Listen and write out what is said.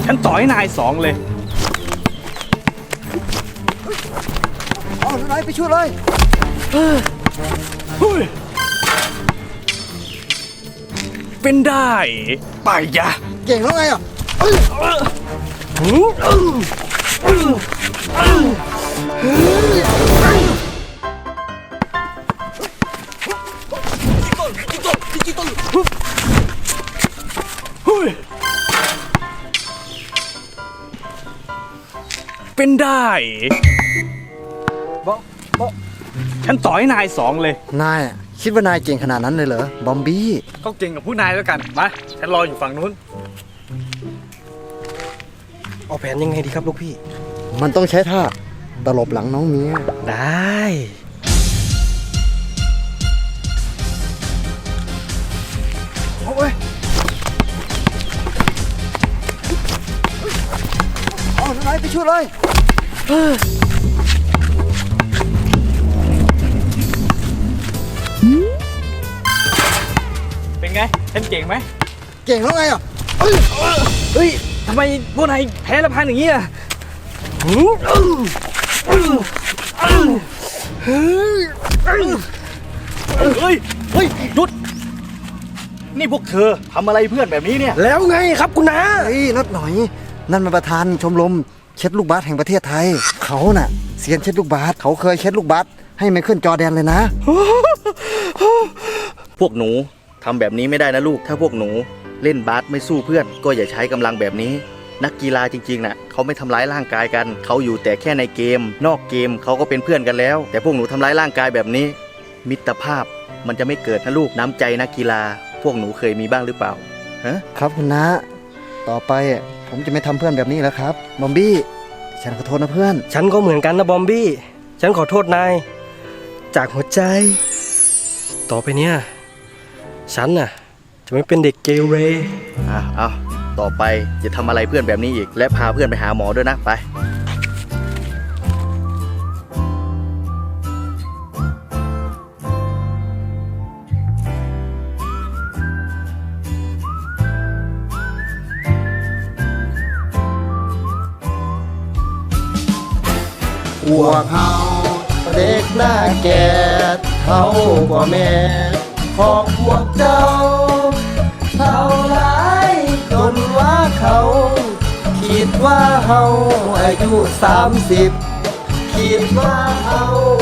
ฉันต่อให้นายสองเลยอ๋อนายไปช่วยเลยเป็นได้ไปยะเก่งแล้วไงอ่ะเป็นได้บอมฉันต่อให้นายสองเลยนายคิดว่านายเก่งขนาดนั้นเลยเหรอ บอมบี้ก็เก่งกับผู้นายแล้วกัน มา ฉันรออยู่ฝั่งนู้นเอาแผนยังไงดีครับลูกพี่มันต้องใช้ท่าตลบหลังน้องเมียได้โอ้ยอ๋อนายไปช่วยเลยเป็นไง ฉันเก่งไหมเก่งแล้วไงอ่ะเฮ้ย ทำไมพวกนายแพ้ละพันอย่างนี้อ่ะเฮ้ยหยุด นี่พวกเธอทำอะไรเพื่อนแบบนี้เนี่ยแล้วไงครับคุณน้าเฮ้ยนัดหน่อย นั่นมันประธานชมรมเช็ดลูกบาสแห่งประเทศไทย เขาน่ะเซียนเช็ดลูกบาสเขาเคยเช็ดลูกบาสให้ไมเคิลจอร์แดนเลยนะพวกหนูทำแบบนี้ไม่ได้นะลูก ถ้าพวกหนูเล่นบาสไม่สู้เพื่อน ก็อย่าใช้กำลังแบบนี้ นักกีฬาจริงๆน่ะเขาไม่ทำร้ายร่างกายกัน เขาอยู่แต่แค่ในเกม นอกเกมเขาก็เป็นเพื่อนกันแล้ว แต่พวกหนูทำร้ายร่างกายแบบนี้ มิตรภาพมันจะไม่เกิดนะลูก น้ำใจนักกีฬา พวกหนูเคยมีบ้างหรือเปล่าฮะครับคุณน้าต่อไปผมจะไม่ทำเพื่อนแบบนี้แล้วครับบอมบี้ฉันขอโทษนะเพื่อนฉันก็เหมือนกันนะบอมบี้ ฉันขอโทษนาย จากหัวใจ ต่อไปเนี่ย ฉันน่ะ จะไม่เป็นเด็กเกเรเอาต่อไปจะทำอะไรเพื่อนแบบนี้อีก และพาเพื่อนไปหาหมอด้วยนะไปพวกเขาเด็กหน้าแก่เท่ากว่าแม่ของพวกเจ้าเท่าไรจนว่าเขาคิดว่าเฮาอายุ30คิดว่าเฮา